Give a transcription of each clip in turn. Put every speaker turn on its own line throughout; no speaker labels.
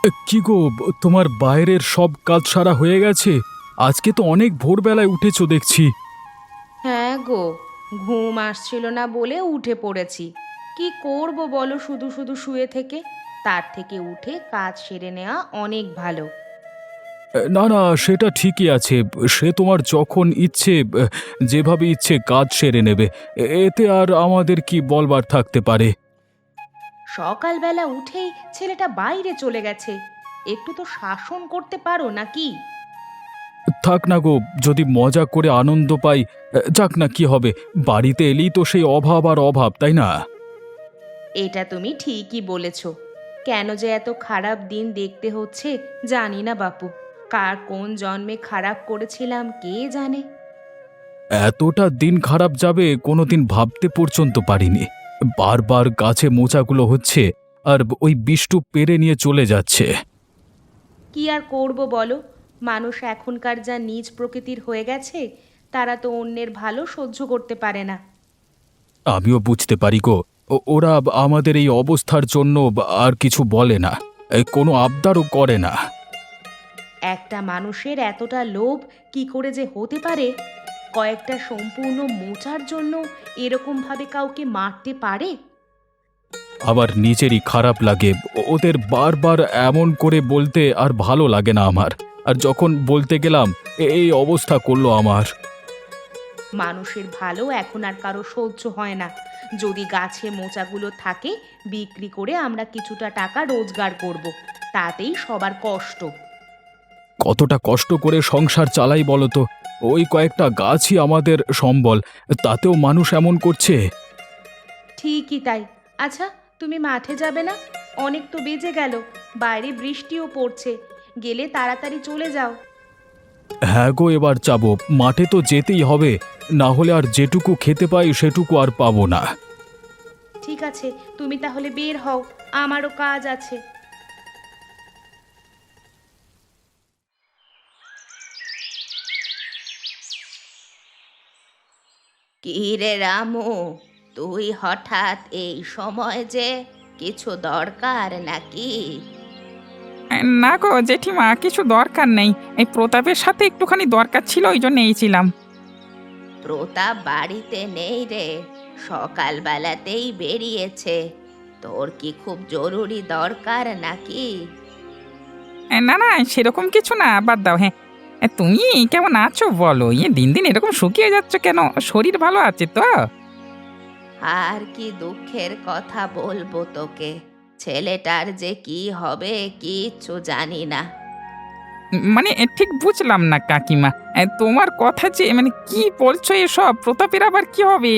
কি গো, তোমার বাইরের সব কাজ সারা হয়ে গেছে? আজকে তো অনেক ভোরবেলায় উঠেছো দেখছি।
হ্যাঁ গো, ঘুম আসছিল না বলে উঠে পড়েছি। কি করব বলো, শুধু শুধু শুয়ে থেকে? তার থেকে উঠে কাজ সেরে নেওয়া অনেক ভালো।
না না, সেটা ঠিকই আছে। সে তোমার যখন ইচ্ছে যেভাবে ইচ্ছে কাজ সেরে নেবে। এতে আর আমাদের কি বলবার থাকতে পারে?
সকালবেলা উঠেই ছেলেটা বাইরে চলে গেছে। একটু তো শাসন করতে পারো নাকি?
থাক না গো, যদি মজা করে আনন্দ পাই। যাক না, কি হবে? বাড়িতে এলেই তো সেই অভাব আর অভাব, তাই না?
এটা তুমি ঠিকই বলেছ। কেন যে এত খারাপ দিন দেখতে হচ্ছে জানি না বাপু। কার কোন জন্মে খারাপ করেছিলাম কে জানে।
এতটা দিন খারাপ যাবে কোনোদিন ভাবতে পর্যন্ত পারিনি। বারবার গাছে মোচাগুলো হচ্ছে, আর ওই বিষ্টু পেরে নিয়ে চলে যাচ্ছে।
কি আর করব বলো, মানুষ এখনকার যা নীচ প্রকৃতির হয়ে গেছে, তারা তো অন্যের ভালো সহ্য করতে পারে না।
আমিও বুঝতে পারি গো। ওরা আমাদের এই অবস্থার জন্য আর কিছু বলে না, কোনো আবদারও করে না।
একটা মানুষের এতটা লোভ কি করে যে হতে পারে? কয়েকটা সম্পূর্ণ মোচার জন্য এরকমভাবে কাউকে মারতে পারে?
আবার নিজেরই খারাপ লাগে। ওদের বারবার এমন করে বলতে আর ভালো লাগে না আমার। আর যখন বলতে গেলাম, এই অবস্থা করলো আমার।
মানুষের ভালো এখন আর কারো সহ্য হয় না। যদি গাছে মোচাগুলো থাকে, বিক্রি করে আমরা কিছুটা টাকা রোজগার করব, তাতেই সবার কষ্ট।
কতটা কষ্ট করে সংসার চালাই বলো তো? ওই কয়েকটা গাছই আমাদের সম্বল, তাতেও মানুষ এমন করছে।
ঠিকই তাই। আচ্ছা, তুমি মাঠে যাবে না? অনেক তো বেজে গেল, বাইরে বৃষ্টিও পড়ছে। গেলে তাড়াতাড়ি চলে যাও।
হ্যাঁ গো, এবার যাবো। মাঠে তো যেতেই হবে, না হলে আর যেটুকু খেতে পাই সেটুকু আর পাবো না।
ঠিক আছে, তুমি তাহলে বের হও, আমারও কাজ আছে। কি রে রামু, তুই হঠাৎ এই সময় যে? কিছু দরকার নাকি?
না গো জেঠিমা, কিছু দরকার নেই। এই প্রতাপের সাথে একটুখানি দরকার ছিল, ওই জন্য এইছিলাম।
প্রতাপ বাড়িতে নেই রে, সকালবেলাতেই বেরিয়েছে। তোর কি খুব জরুরি দরকার নাকি?
না না, সেরকম কিছু না, বাদ দাও। হ্যাঁ, তুমি কেমন আছো বলো? দিন দিন এরকম শুকিয়ে যাচ্ছ কেন? শরীর ভালো আছে তো?
আর কি দুঃখের কথা বলবো তোকে, ছেলেটার যে কি হবে কিচ্ছু জানি না।
মানে ঠিক বুঝলাম না কাকিমা। তোমার কথা যে মানে কি বলছো এসব? প্রতাপের আবার কি হবে?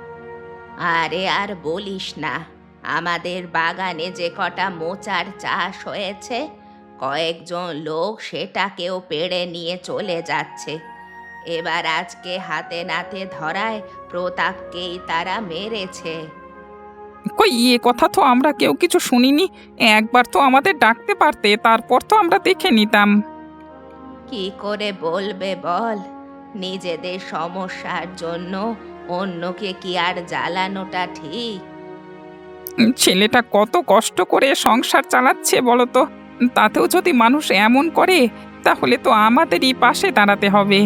আরে আর বলিস না, আমাদের বাগানে যে কটা মোচার চাষ হয়েছে, কয়েকজন লোক সেটাকেও পেড়ে নিয়ে চলে যাচ্ছে। এবার আজকে হাতে নাতে ধরায় প্রতাপকেই তারা মেরেছে।
কই, কথা তো আমরা কেউ কিছু শুনিনি। একবার তো আমাদের ডাকতে পারতে, তারপর তো আমরা দেখে নিতাম।
কি করে বলবে বল? নিজেদের সমস্যার জন্য অন্যকে কি আর জ্বালানোটা ঠিক?
ছেলেটা কত কষ্ট করে সংসার চালাচ্ছে বলো তো? তাতেও যদি মানুষ এমন করে, তাহলে তো আমাদেরই পাশে দাঁড়াতে হবে।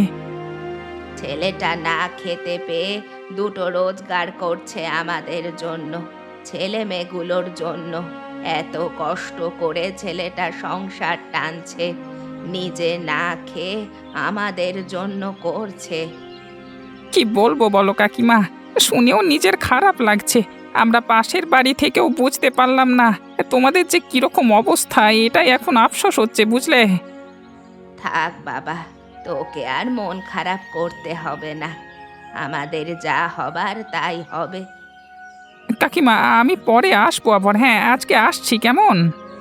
ছেলেটা না খেতে পেয়ে দুটো রোজগার করছে আমাদের জন্য, ছেলে মেয়েগুলোর জন্য। এত কষ্ট করে ছেলেটা সংসার টানছে, নিজে না খেয়ে আমাদের জন্য করছে।
কি বলবো বলো কাকিমা, শুনেও নিজের খারাপ লাগছে। আমরা পাশের বাড়ি থেকেও বুঝতে পারলাম না তোমাদের যে কিরকম অবস্থা, এটাই এখন আফসোস হচ্ছে, বুঝলে?
থাক বাবা, তোকে আর মন খারাপ করতে হবে না। আমাদের যা হবার তাই হবে।
কাকিমা, আমি পরে আসবো আবার। হ্যাঁ, আজকে আসছি, কেমন?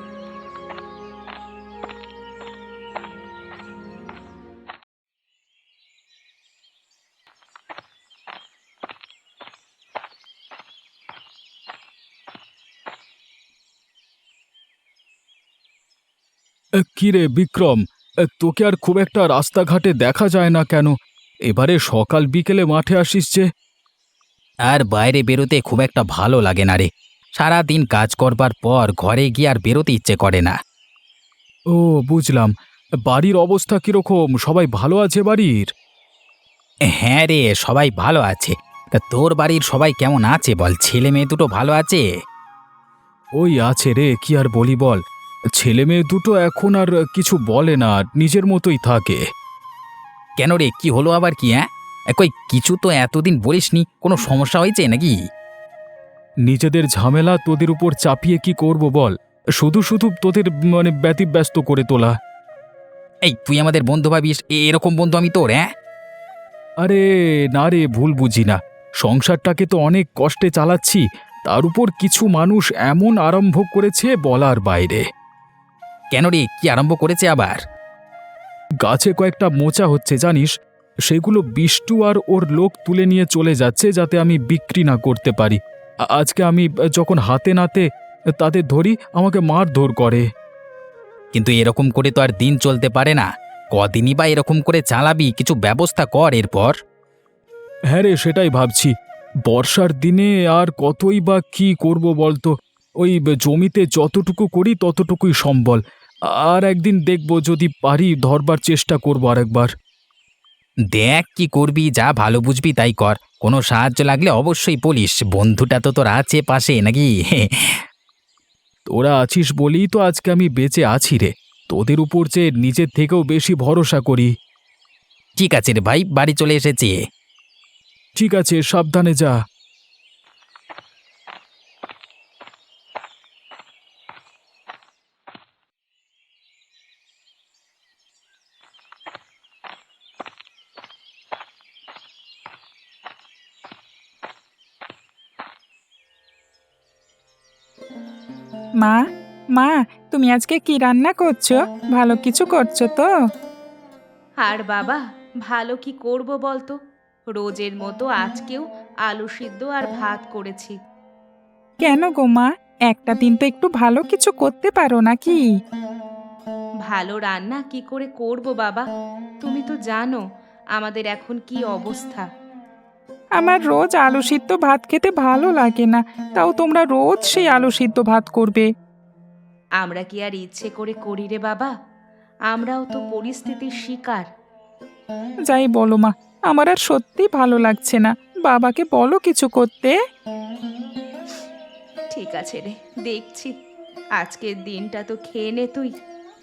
কি রে বিক্রম, তোকে আর খুব একটা রাস্তাঘাটে দেখা যায় না কেন? এবারে সকাল বিকেলে মাঠে আসিস যে?
আর বাইরে বেরোতে খুব একটা ভালো লাগে না রে। সারা দিন কাজ করবার পর ঘরে গিয়ে আর বেরোতে ইচ্ছে করে না।
ও, বুঝলাম। বাড়ির অবস্থা কিরকম? সবাই ভালো আছে বাড়ির?
হ্যাঁ রে, সবাই ভালো আছে। তা তোর বাড়ির সবাই কেমন আছে বল? ছেলে মেয়ে দুটো ভালো আছে?
ওই আছে রে, কি আর বলি বল। ছেলে মেয়ে দুটো এখন আর কিছু বলে না, নিজের মতোই থাকে।
কেন রে, কি হলো আবার কি? হ্যাঁ, কই কিছু তো এতদিন বলিসনি, কোনো সমস্যা হয়েছে নাকি?
নিজেদের ঝামেলা তোদের উপর চাপিয়ে কি করব বল? শুধু শুধু তোদের ব্যতিব্যস্ত করে তোলা।
এই তুই আমাদের বন্ধু ভাবিস, এরকম বন্ধু আমি তোর? হ্যাঁ,
আরে না রে, ভুল বুঝি না। সংসারটাকে তো অনেক কষ্টে চালাচ্ছি, তার উপর কিছু মানুষ এমন আরম্ভ করেছে বলার বাইরে।
কেন রে, কি আরম্ভ করেছে আবার?
গাছে কয়েকটা মোচা হচ্ছে জানিস, সেগুলো বিষ্টু আর ওর লোক তুলে নিয়ে চলে যাচ্ছে যাতে আমি বিক্রি না করতে পারি। আজকে আমি যখন হাতে নাতে তাদের ধরি, আমাকে মারধর করে।
কিন্তু এরকম করে তো আর দিন চলতে পারে না। কদিনই বা এরকম করে চালাবি? কিছু ব্যবস্থা কর এরপর।
হ্যাঁ রে, সেটাই ভাবছি। বর্ষার দিনে আর কতই বা কি করব বলতো। ওই জমিতে যতটুকু করি ততটুকুই সম্বল। আর একদিন দেখব, যদি পারি ধরবার চেষ্টা করব আরেকবার।
দেখ কি করবি, যা ভালো বুঝবি তাই কর। কোনো সাহায্য লাগলে অবশ্যই বলিস, বন্ধুটা তো তোর আছে পাশে নাকি?
তোরা আছিস বলেই তো আজকে আমি বেঁচে আছি রে। তোদের উপর যে নিজের থেকেও বেশি ভরসা করি।
ঠিক আছে রে ভাই, বাড়ি চলে এসেছে।
ঠিক আছে, সাবধানে যা।
মা, মা, তুমি আজকে কি রান্না করছো? ভালো কিছু করছো তো?
আর বাবা, ভালো কি করব বলতো? রোজের মতো আজকেও আলু সিদ্ধ আর ভাত করেছি।
কেন গো মা, একটা দিন তো একটু ভালো কিছু করতে পারো নাকি?
ভালো রান্না কি করে করব বাবা? তুমি তো জানো আমাদের এখন কি অবস্থা।
আমার রোজ আলু সিদ্ধ ভাত খেতে ভালো লাগে না, তাও তোমরা রোজ সেই আলু সিদ্ধ ভাত করবে?
আমরা কি আর ইচ্ছে করে করি রে বাবা? আমরাও তো পরিস্থিতির শিকার।
যাই বলো মা, আমার আর সত্যি ভালো লাগছে না। বাবাকে বলো কিছু করতে।
ঠিক আছে রে, দেখছি। আজকের দিনটা তো খেয়ে নে তুই।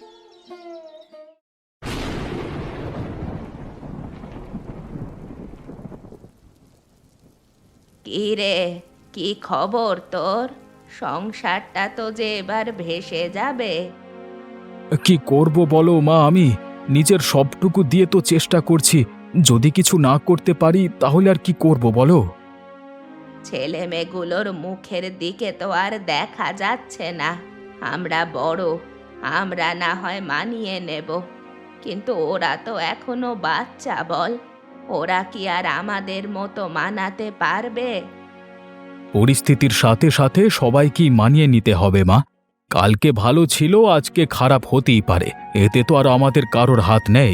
কি রে, কি খবর তোর? সংসারটা তো যে এবার ভেসে যাবে।
কি করব বলো মা, আমি নিজের সবটুকু দিয়ে তো চেষ্টা করছি। যদি কিছু না করতে পারি তাহলে আর কি করব বলো?
ছেলে মেয়েগুলোর মুখের দিকে তো আর দেখা যাচ্ছে না। আমরা বড়, আমরা না হয় মানিয়ে নেব, কিন্তু ওরা তো এখনো বাচ্চা বল। ওরা কি আর আমাদের মতো মানাতে পারবে?
পরিস্থিতির সাথে সাথে সবাইকেই মানিয়ে নিতে হবে মা। কালকে ভালো ছিল, আজকে খারাপ হতেই পারে। এতে তো আর আমাদের কারোর হাত নেই।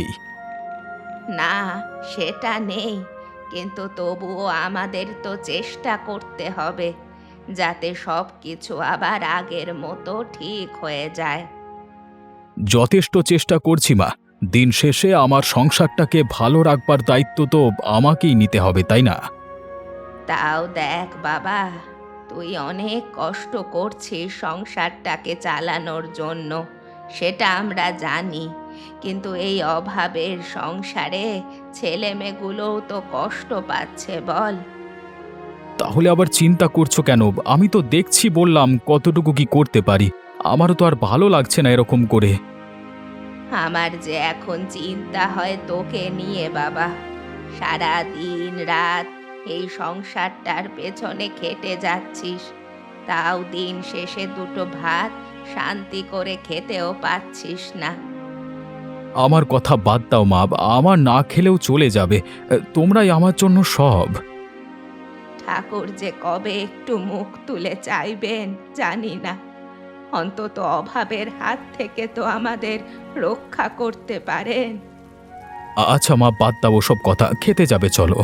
না, সেটা নেই, কিন্তু তবুও আমাদের তো চেষ্টা করতে হবে যাতে সব কিছু আবার আগের মতো ঠিক হয়ে যায়।
যথেষ্ট চেষ্টা করছি মা। দিন শেষে আমার সংসারটাকে ভালো রাখবার দায়িত্ব তো আমাকেই নিতে হবে, তাই না?
তাও দেখ বাবা, তুই অনেক কষ্ট করছিস সংসারটাকে চালানোর জন্য, সেটা আমরা জানি। কিন্তু এই অভাবের সংসারে ছেলেমেয়েগুলোও তো কষ্ট পাচ্ছে বল।
তাহলে আবার চিন্তা করছো কেন? আমি তো দেখছি, বললাম কতটুকু কি করতে পারি। আমারও তো আর ভালো লাগছে না এরকম করে।
আমার যে এখন চিন্তা হয় তোকে নিয়ে বাবা। সারা দিন রাত এই সংসারটার পেছনে খেটে যাচ্ছিস, তাও দিন শেষে দুটো ভাত শান্তি করে খেতেও পাচ্ছিস না।
আমার কথা বাদ দাও মা, আমার না খেলেও চলে যাবে। তোমরাই আমার জন্য সব।
ঠাকুর যে কবে একটু মুখ তুলে চাইবেন জানি না। অন্তত অভাবের হাত থেকে তো আমাদের রক্ষা করতে পারেন।
আচ্ছা মা, বাদ দাও সব কথা, খেতে যাবে চলো।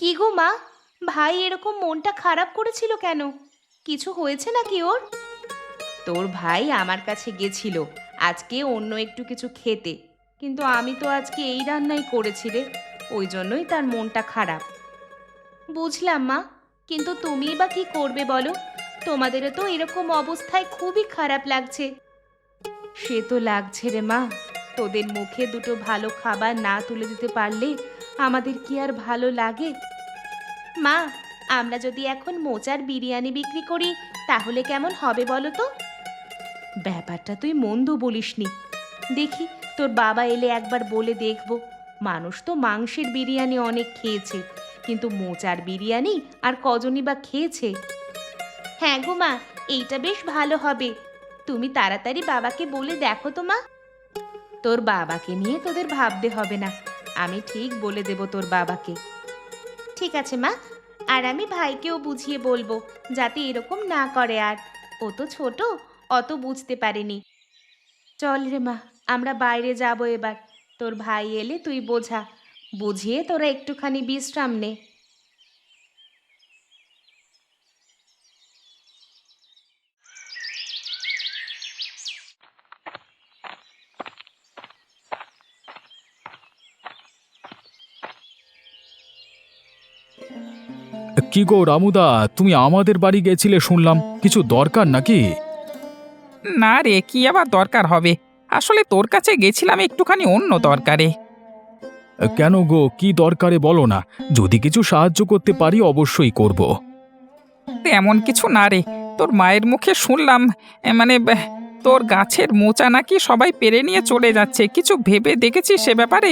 কি গো মা, ভাই এরকম মনটা খারাপ করেছিল কেন? কিছু হয়েছে নাকি ওর? তোর ভাই আমার কাছে গেছিল আজকে অন্য একটু কিছু খেতে, কিন্তু আমি তো আজকে এই রান্নাই করেছি রে, ওই জন্যই তার মনটা খারাপ। বুঝলাম মা, কিন্তু তুমিই বা কি করবে বলো? তোমাদেরও তো এরকম অবস্থায় খুবই খারাপ লাগছে। সে তো লাগছে রে মা, তোদের মুখে দুটো ভালো খাবার না তুলে দিতে পারলে আমাদের কি আর ভালো লাগে? মা, আমরা যদি এখন মোচার বিরিয়ানি বিক্রি করি তাহলে কেমন হবে বলো তো? ব্যাপারটা তুই মন্দ বলিসনি। দেখি তোর বাবা এলে একবার বলে দেখব। মানুষ তো মাংসের বিরিয়ানি অনেক খেয়েছে, কিন্তু মোচার বিরিয়ানি আর কজনই বা খেয়েছে? হ্যাঁ গো মা, এইটা বেশ ভালো হবে। তুমি তাড়াতাড়ি বাবাকে বলে দেখো তো মা। তোর বাবাকে নিয়ে তোদের ভাবতে হবে না, আমি ঠিক বলে দেব তোর বাবাকে। ঠিক আছে মা, আর আমি ভাইকেও বুঝিয়ে বলবো যাতে এরকম না করে আর। ও তো ছোট, অত বুঝতে পারেনি। চল রে মা, আমরা বাইরে যাব এবার। তোর ভাই এলে তুই বোঝা, বুঝিয়ে তোরা একটুখানি বিশ্রাম নে।
কি গো রামুদা, তুমি আমাদের বাড়ি গেছিলে শুনলাম, কিছু দরকার নাকি?
না রে, কি আবার দরকার হবে? আসলে তোর কাছে গেছিলাম একটুখানি অন্য দরকারে।
কেন গো, কি দরকারে বলো না, যদি কিছু সাহায্য করতে পারি অবশ্যই করব।
এমন কিছু না রে, তোর মায়ের মুখে শুনলাম তোর গাছের মোচা নাকি সবাই পেরে নিয়ে চলে যাচ্ছে। কিছু ভেবে দেখেছিস সে ব্যাপারে?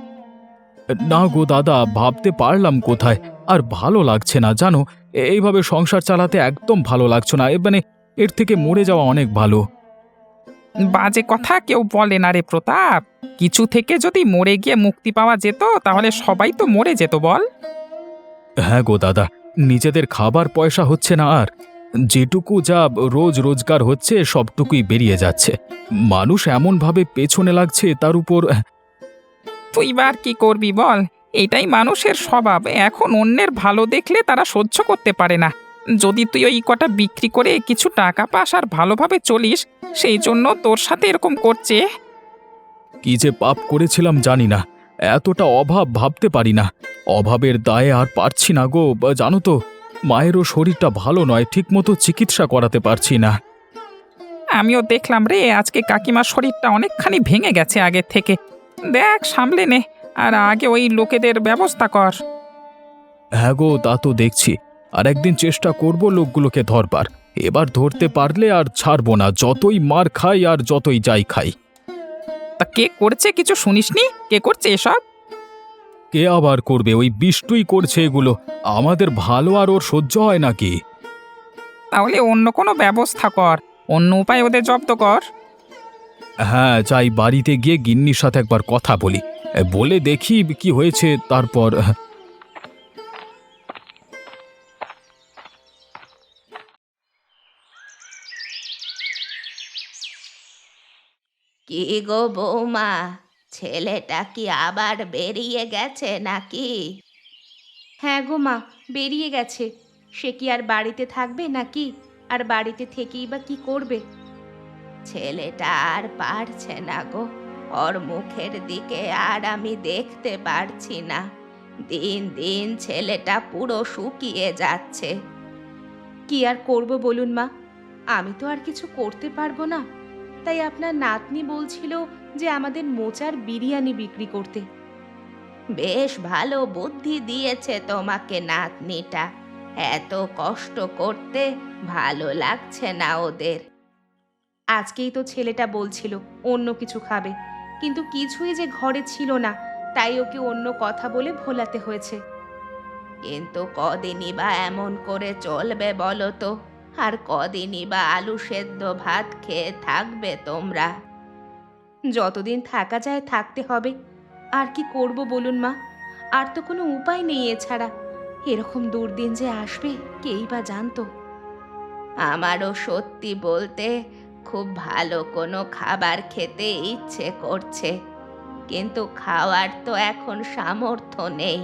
না গো দাদা, ভাবতে পারলাম কোথায়, আর ভালো লাগছে না জানো। এইভাবে সংসার চালাতে একদম ভালো লাগছে না, এর থেকে মরে যাওয়া অনেক ভালো।
বাজে কথা কেউ বলে না রে প্রতাপ। কিছু থেকে যদি মরে গিয়ে মুক্তি পাওয়া যেত তাহলে সবাই তো মরে যেত বল।
হ্যাঁ গো দাদা, নিজেদের খাবার পয়সা হচ্ছে না, আর যেটুকু যা রোজ রোজগার হচ্ছে সবটুকুই বেরিয়ে যাচ্ছে। মানুষ এমনভাবে পেছনে লাগছে, তার উপর
তুই বার কি করবি বল? এটাই মানুষের স্বভাব। এখন অন্যের ভালো দেখলে তারা সহ্য করতে পারে না। যদি তুই ওই কটা বিক্রি করে কিছু টাকা পাস আর ভালোভাবে চলিস, সেই জন্য তোর সাথে এরকম করছে।
কি যে পাপ করেছিলাম জানি না, এতটা অভাব ভাবতে পারি না। অভাবের দায়ে আর পারছি না গো, জানো তো, মায়েরও শরীরটা ভালো নয়, ঠিকমতো চিকিৎসা করাতে পারছি না।
আমিও দেখলাম রে, আজকে কাকিমার শরীরটা অনেকখানি ভেঙে গেছে আগের থেকে। দেখ, সামলে নে, আর আগে ওই লোকেদের ব্যবস্থা কর।
হ্যাঁ গো, তা তো দেখছি, আর একদিন চেষ্টা করব লোকগুলোকে ধরবার। এবার ধরতে পারলে আর ছাড়বো না, যতই মার খাই আর যতই যাই খাই।
তা কে করছে কিছু শুনিসনি? কে করছে এসব?
কে আবার করবে? ওই বিষ্টুই করছে এগুলো। আমাদের ভালো আর ওর সহ্য হয় নাকি?
তাহলে অন্য কোনো ব্যবস্থা কর, অন্য উপায় ওদের জব্দ কর।
হ্যাঁ, যাই, বাড়িতে গিয়ে গিন্নির সাথে একবার কথা বলি, বলে দেখি কি হয়েছে, তারপর।
কি গো বৌমা, ছেলেটা কি আবার বেরিয়ে গেছে নাকি? হ্যাঁ গো মা, বেরিয়ে গেছে। সে কি আর বাড়িতে থাকবে নাকি? আর বাড়িতে থেকেই বা কি করবে? ছেলেটা আর পারছে না গো, ওর মুখের দিকে আর আমি দেখতে পারছি না। দিন দিন ছেলেটা পুরো শুকিয়ে যাচ্ছে। কি আর করব বলুন মা, আমি তো আর কিছু করতে পারবো না। তাই আপনার নাতনি বলছিল যে আমাদের মোচার বিরিয়ানি বিক্রি করতে। বেশ ভালো বুদ্ধি দিয়েছে তোমাকে নাতনিটা। এত কষ্ট করতে ভালো লাগছে না ওদের। আজকেই তো ছেলেটা বলছিল অন্য কিছু খাবে, কিন্তু কিছুই যে ঘরে ছিল না, তাই ওকে অন্য কথা বলে ভোলাতে হয়েছে। কিন্তু কদিনই বা এমন করে চলবে বলো তো? আর কদিনই বা আলু সেদ্ধ ভাত খেয়ে থাকবে তোমরা? যতদিন থাকা যায় থাকতে হবে। আর কি করব বলুন মা, আর তো কোনো উপায় নেই এছাড়া। এরকম দুর্দিন যে আসবে কেই বা জানতো। আমারও সত্যি বলতে খুব ভালো কোনো খাবার খেতে ইচ্ছে করছে, কিন্তু খাওয়ার তো এখন সামর্থ্য নেই।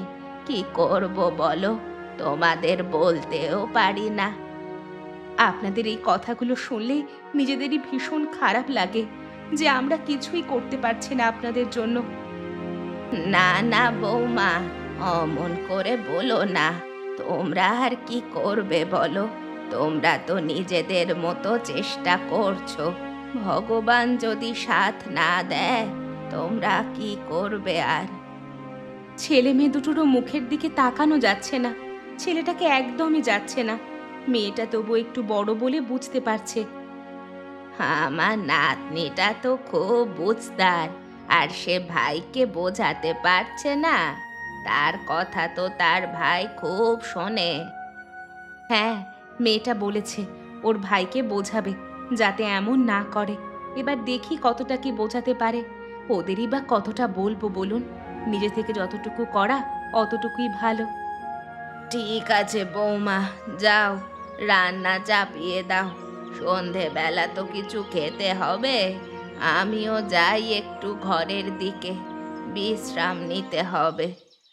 কি করব বলো, তোমাদের বলতেও পারি না।
আপনাদের এই কথাগুলো শুনলে নিজেদেরই ভীষণ খারাপ লাগে যে আমরা কিছুই করতে পারছি না আপনাদের জন্য।
না না বৌমা, অমন করে বলো না। তোমরা আর কি করবে বলো? তোমরা তো নিজেদের মতো চেষ্টা করছো। ভগবান যদি সাথ না দেয়, তোমরা কি করবে আর?
ছেলে মেয়ে দুটোরও মুখের দিকে তাকানো যাচ্ছে না। ছেলেটাকে একদমই যাচ্ছে না। মেয়েটা তবু একটু বড় বলে বুঝতে পারছে।
আমার নাতনিটা তো খুব বুঝদার, আর সে ভাইকে বোঝাতে পারছে না। তার কথা তো তার ভাই খুব শোনে।
হ্যাঁ, মেয়েটা বলেছে ওর ভাইকে বোঝাবে যাতে এমন না করে। এবার দেখি কতটা কি বোঝাতে পারে। ওদেরই বা কতটা বলবো বলুন? নিজে থেকে যতটুকু করা অতটুকুই ভালো।
ঠিক আছে বৌমা, যাও রান্না চাপিয়ে দাও। সন্ধেবেলা তো কিছু খেতে হবে। আমিও যাই একটু ঘরের দিকে, বিশ্রাম নিতে হবে।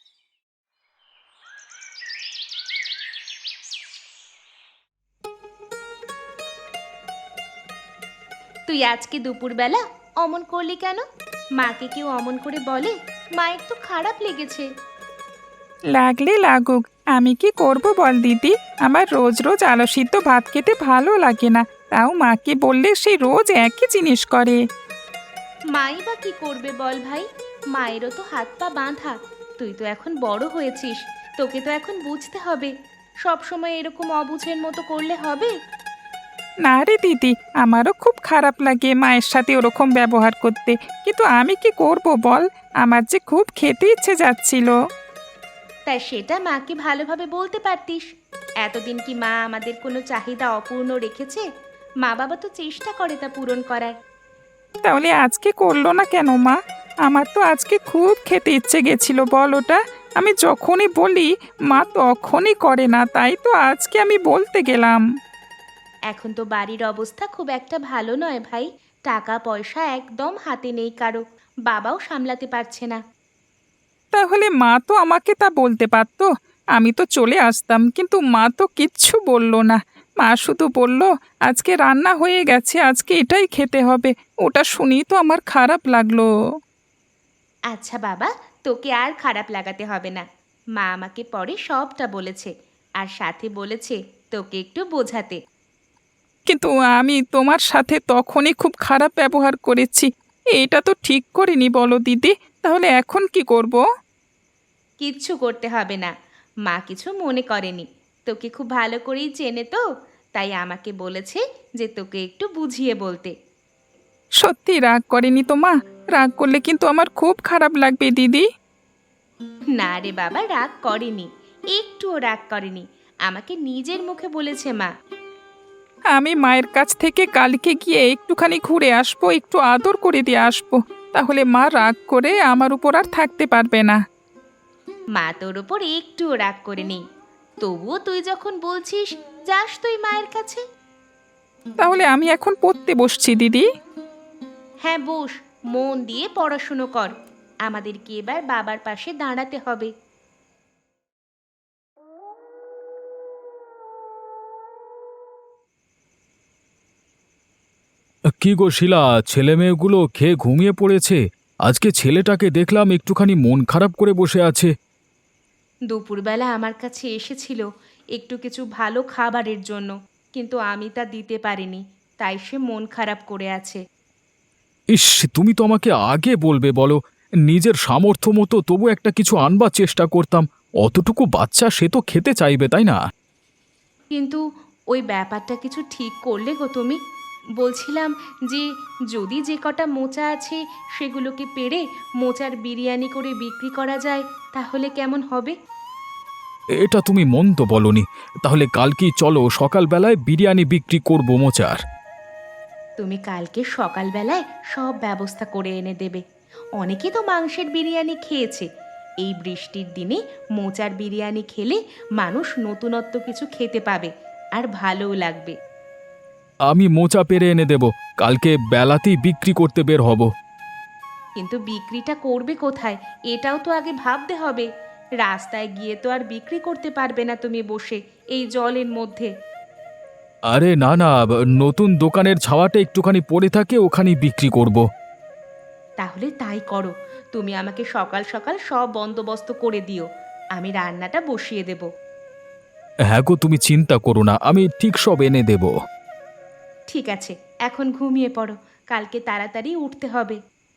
তুই আজকে দুপুরবেলা অমন করলি কেন? মাকে কেউ অমন করে বলে? মায়ের তো খারাপ লেগেছে।
লাগলে লাগুক, আমি কি করব বল দিদি? আমার রোজ রোজ আলু সিদ্ধ ভাত খেতে ভালো লাগে না, তাও মাকে বললে সে রোজ একই জিনিস করে।
মাই বা কি করবে বল ভাই? মায়েরও তো হাত পা বাঁধা। তুই তো এখন বড় হয়েছিস, তোকে তো এখন বুঝতে হবে। সব সময় এরকম অবুঝের মতো করলে হবে?
না রে দিদি, আমারও খুব খারাপ লাগে মায়ের সাথে ওরকম ব্যবহার করতে, কিন্তু আমি কি করব বল? আমার যে খুব খেতে ইচ্ছে যাচ্ছিল।
তাই সেটা মাকে ভালোভাবে বলতে পারতিস। এতদিন কি মা আমাদের কোনো চাহিদা অপূর্ণ রেখেছে? মা বাবা তো চেষ্টা করে তা পূরণ করার।
তাহলে আজকে করলো না কেন মা? আমার তো আজকে খুব খেতে ইচ্ছে গেছিল বল ওটা। আমি যখনই বলি মা তখনই করে না, তাই তো আজকে আমি বলতে গেলাম।
এখন তো বাড়ির অবস্থা খুব একটা ভালো নয় ভাই। টাকা পয়সা একদম হাতে নেই কারো। বাবাও সামলাতে পারছে না।
তাহলে মা তো আমাকে তা বলতে পারতো, আমি তো চলে আসতাম, কিন্তু মা তো কিচ্ছু বলল না। মা শুধু বলল আজকে রান্না হয়ে গেছে, আজকে এটাই খেতে হবে। ওটা শুনেই তো আমার খারাপ লাগলো।
আচ্ছা বাবা, তোকে আর খারাপ লাগাতে হবে না। মা আমাকে পরে সবটা বলেছে, আর সাথে বলেছে তোকে একটু বোঝাতে।
কিন্তু আমি তোমার সাথে তখনই খুব খারাপ ব্যবহার করেছি, এটা তো ঠিক করিনি বলো দিদি। তাহলে এখন কি করব?
কিচ্ছু করতে হবে না। মা কিছু মনে করেনি। তোকে খুব ভালো করেই চেনে তো, তাই আমাকে বলেছে যে তোকে একটু বুঝিয়ে বলতে।
সত্যি রাগ করেনি তো মা? রাগ করলে কিন্তু আমার খুব খারাপ লাগবে দিদি।
না রে বাবা, রাগ করেনি। একটুও রাগ করেনি। আমাকে নিজের মুখে বলেছে মা।
আমি মায়ের কাছ থেকে কালকে গিয়ে একটুখানি ঘুরে আসবো, একটু আদর করে দিয়ে আসবো, তাহলে মা রাগ করে আমার উপর আর থাকতে পারবে না।
মা তোর ওপর একটুও রাগ করেনি। তবুও তুই যখন বলছিস, যাস তুই মায়ের কাছে।
তাহলে আমি এখন পড়তে বসছি দিদি।
হ্যাঁ বস, মন দিয়ে পড়াশুনো কর। আমাদেরকে এবার বাবার পাশে দাঁড়াতে হবে।
কি গো শিলা, ছেলে মেয়েগুলো খেয়ে ঘুমিয়ে পড়েছে? আজকে ছেলেটাকে দেখলাম একটুখানি মন খারাপ করে বসে আছে।
দুপুরবেলা আমার কাছে এসেছিল একটু কিছু ভালো খাবারের জন্য, কিন্তু আমি তা দিতে পারিনি, তাই সে মন খারাপ করে আছে।
ইস, তুমি তো আমাকে আগে বলবে বলো। নিজের সামর্থ্য মতো তবু একটা কিছু আনবার চেষ্টা করতাম। অতটুকু বাচ্চা, সে তো খেতে চাইবে, তাই না?
কিন্তু ওই ব্যাপারটা কিছু ঠিক করলে গো তুমি? বলছিলাম যে যদি যে কটা মোচা আছে সেগুলোকে পেড়ে মোচার বিরিয়ানি করে বিক্রি করা যায়, তাহলে কেমন হবে?
এটা তুমি মন্দ বলনি। তাহলে কালকেই চলো, সকালবেলায় বিরিয়ানি বিক্রি করবো মোচার।
তুমি কালকে সকালবেলায় সব ব্যবস্থা করে এনে দেবে। অনেকে তো মাংসের বিরিয়ানি খেয়েছে। এই বৃষ্টির দিনে মোচার বিরিয়ানি খেলে মানুষ নতুনত্ব কিছু খেতে পাবে, আর ভালোও লাগবে।
আমি মোচা পেরে এনে দেব, কালকে বেলাতেই বিক্রি করতে বের হব।
কিন্তু বিক্রিটা করবে কোথায়, এটাও তো আগে ভাবতে হবে। রাস্তায় গিয়ে তো আর বিক্রি করতে পারবে না তুমি বসে এই জলের মধ্যে।
আরে না না, নতুন দোকানের ছাওয়াটা একটুখানি পড়ে থাকে, ওখানেই বিক্রি করব।
তাহলে তাই করো, তুমি আমাকে সকাল সকাল সব বন্দোবস্ত করে দিও, আমি রান্নাটা বসিয়ে দেব।
হ্যাঁ গো, তুমি চিন্তা করো না, আমি ঠিক সব এনে দেব।
ঠিক আছে, এখন ঘুমিয়ে পড়ো, কালকে তাড়াতাড়ি উঠতে হবে।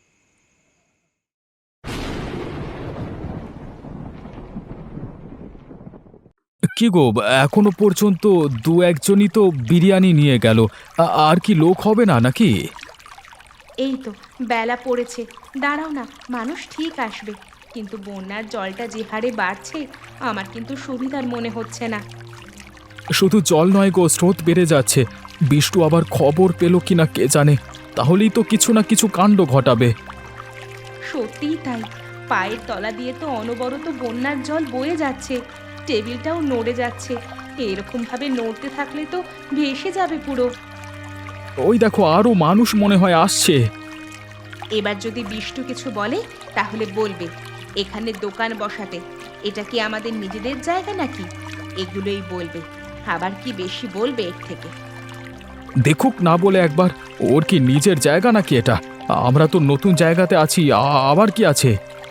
কি গো, এখনো পর্যন্ত দু একজনই তো বিরিয়ানি নিয়ে গেল। আর কি লোক হবে না নাকি?
এই তো বেলা পড়েছে, দাঁড়াও না, মানুষ ঠিক আসবে, কিন্তু বন্যার জলটা যে হারে বাড়ছে আমার কিন্তু সুবিধার মনে হচ্ছে না।
শুধু জল নয় গো, স্রোত বেড়ে যাচ্ছে। বিষ্টু আবার খবর পেল কিনা কে জানে, তাহলেই তো কিছু না কিছু কাণ্ড ঘটাবে।
সত্যিই তাই, পায়ের তলা দিয়ে তো অনবরত বন্যার জল বয়ে যাচ্ছে, টেবিলটাও নড়ে যাচ্ছে, এরকম ভাবে নড়তে থাকলে তো ভেসে যাবে পুরো।
ওই দেখো, আরো মানুষ মনে হয় আসছে।
এবার যদি বিষ্টু কিছু বলে তাহলে বলবে এখানে দোকান বসাতে, এটা কি আমাদের নিজেদের জায়গা নাকি, এগুলোই বলবে। আবার কি বেশি বলবে এর থেকে?
দেখুক না বলে একবার, ওর কি নিজের জায়গা নাকি এটা? আমরা তো নতুন জায়গাতে আছি, আবার কি আছে?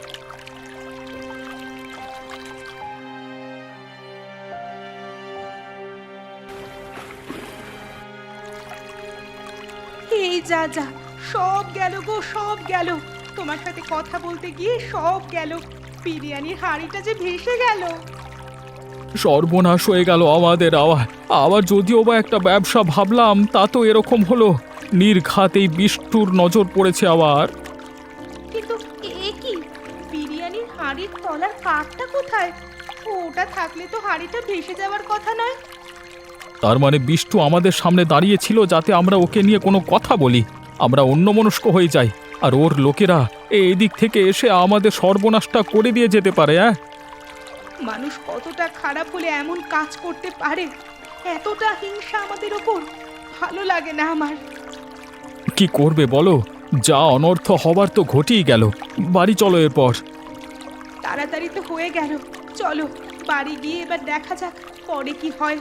এই যা যা, সব গেল গো, সব গেল, তোমার সাথে কথা বলতে গিয়ে সব গেল, বিরিয়ানির হাঁড়িটা যে ভেসে গেল।
সর্বনাশ হয়ে গেল আমাদের। আবার যদিও বা একটা ব্যবসা ভাবলাম, তা তো এরকম হলো। নির্ঘাত এই বিষ্টুর নজর পড়েছে আবার।
কিন্তু এ কি, বিরিয়ানির হাঁড়ির তলার কাঠটা কোথায়? ওটা থাকলে তো হাঁড়িটা ভেসে যাওয়ার কথা নয়।
তার মানে বিষ্টু আমাদের সামনে দাঁড়িয়েছিল যাতে আমরা ওকে নিয়ে কোনো কথা বলি, আমরা অন্যমনস্ক হয়ে যাই, আর ওর লোকেরা এই দিক থেকে এসে আমাদের সর্বনাশটা করে দিয়ে যেতে পারে।
মানুষ কতটা খারাপ হলে এমন কাজ করতে পারে? এতটা হিংসা আমাদের ওপর ভালো লাগে না আমার।
কি করবে বলো, যা অনর্থ হবার তো ঘটেই গেল। বাড়ি চলো এরপর।
তাড়াতাড়ি তো হয়ে গেল, চলো বাড়ি গিয়ে এবার দেখা যাক পরে কি হয়।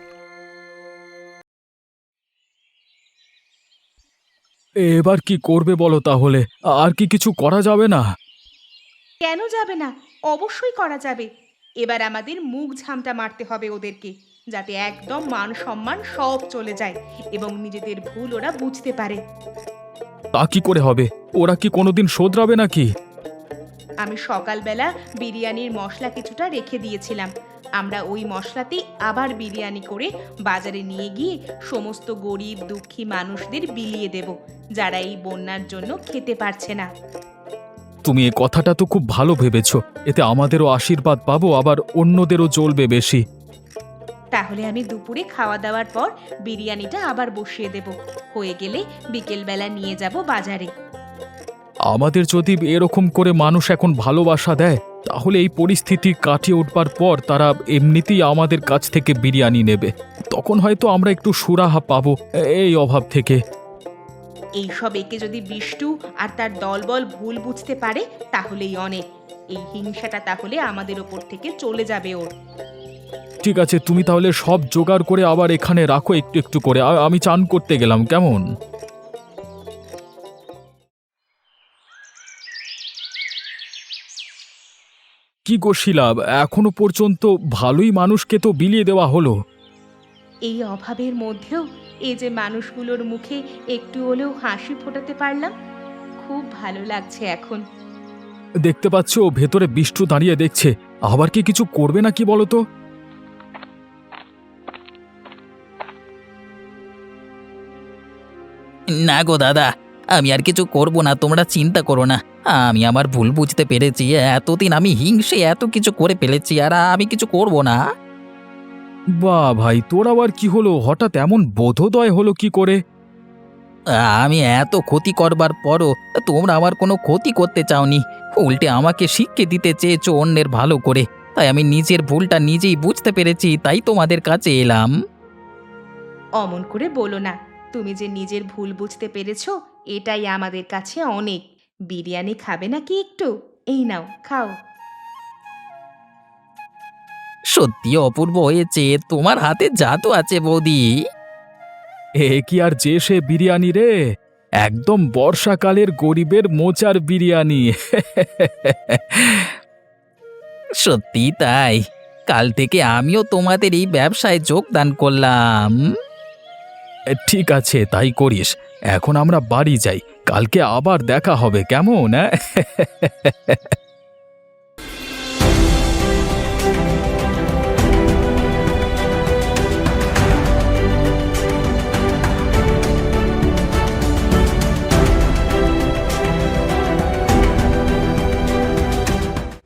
এবার কি করবে বলো তাহলে? আর কি কিছু করা যাবে না?
কেন যাবে না, অবশ্যই করা যাবে। এবার আমাদের মুখ ঝামটা মারতে হবে ওদেরকে, যাতে একদম মান সম্মান সব চলে যায় এবং নিজেদের ভুল ওরা বুঝতে পারে।
তা কি করে হবে? ওরা কি কোনোদিন শোধরাবে নাকি?
আমি সকালবেলা বিরিয়ানির মশলা কিছুটা রেখে দিয়েছিলাম, আমরা ওই মশলাতেই আবার বিরিয়ানি করে বাজারে নিয়ে গিয়ে সমস্ত গরিব দুঃখী মানুষদের বিলিয়ে দেব, যারা এই বন্যার জন্য খেতে পারছে না।
তুমি এ কথাটা তো খুব ভালো ভেবেছো, এতে আমাদেরও আশীর্বাদ পাবো, আবার অন্যদেরও জ্বলবে বেশি।
তাহলে আমি দুপুরে খাওয়া দাওয়ার পর বিরিয়ানিটা আবার বসিয়ে দেব, হয়ে গেলে বিকেলবেলা নিয়ে যাব বাজারে।
আমাদের যদি এরকম করে মানুষ এখন ভালোবাসা দেয়, তাহলে এই পরিস্থিতি কাটিয়ে উঠবার পর তারা এমনিতেই আমাদের কাছ থেকে বিরিয়ানি নেবে। তখন হয়তো আমরা একটু সুরাহা পাবো এই অভাব থেকে।
এইসব একে যদি বিষ্টু আর তার দলবল ভুল বুঝতে পারে তাহলেই অনেক, এই হিংসাটা তাহলে আমাদের ওপর থেকে চলে যাবে ওর।
ঠিক আছে, তুমি তাহলে সব জোগাড় করে আবার এখানে রাখো একটু একটু করে, আমি চান করতে গেলাম, কেমন? কি গো শিলা, এখনো পর্যন্ত ভালোই মানুষকে তো বিলিয়ে দেওয়া হলো।
এই অভাবের মধ্যেও এই যে মানুষগুলোর মুখে একটু হলেও হাসি ফোটাতে পারলাম, খুব ভালো লাগছে এখন।
দেখতে পাচ্ছ ভেতরে বিষ্টু দাঁড়িয়ে দেখছে, আবার কি কিছু করবে না কি বলো তো?
না গো দাদা, আমি আর কিছু করব না, তোমরা চিন্তা করো না। আমি আমার ভুল বুঝতে পেরেছি, এতদিন আমি হিংসে এত কিছু করে ফেলেছি, আর আমি কিছু করব না।
বাহ ভাই, তোর আবার কি হলো? হঠাৎ এমন বোধোদয় হলো কি করে?
আমি এত ক্ষতি করবার পরও তোমরা আমার কোনো ক্ষতি করতে চাওনি, উল্টে আমাকে শিক্ষা দিতে চেয়েছো অন্যের ভালো করে। তাই আমি নিজের ভুলটা নিজেই বুঝতে পেরেছি, তাই তোমাদের কাছে এলাম।
অমন করে বলো না, তুমি যে নিজের ভুল বুঝতে পেরেছো এটাই আমাদের কাছে অনেক। বিরিয়ানি খাবে নাকি একটু? এই নাও খাও।
সত্যি অপূর্ব হয়েছে, তোমার হাতে জাদু আছে বৌদি।
এ কি আর যে সে বিরিয়ানি রে, একদম বর্ষাকালের গরিবের মোচার বিরিয়ানি।
সত্যি তাই, কাল থেকে আমিও তোমাদের এই ব্যবসায় যোগদান করলাম।
ঠিক আছে, তাই করিস। এখন আমরা বাড়ি যাই, কালকে আবার দেখা হবে, কেমন?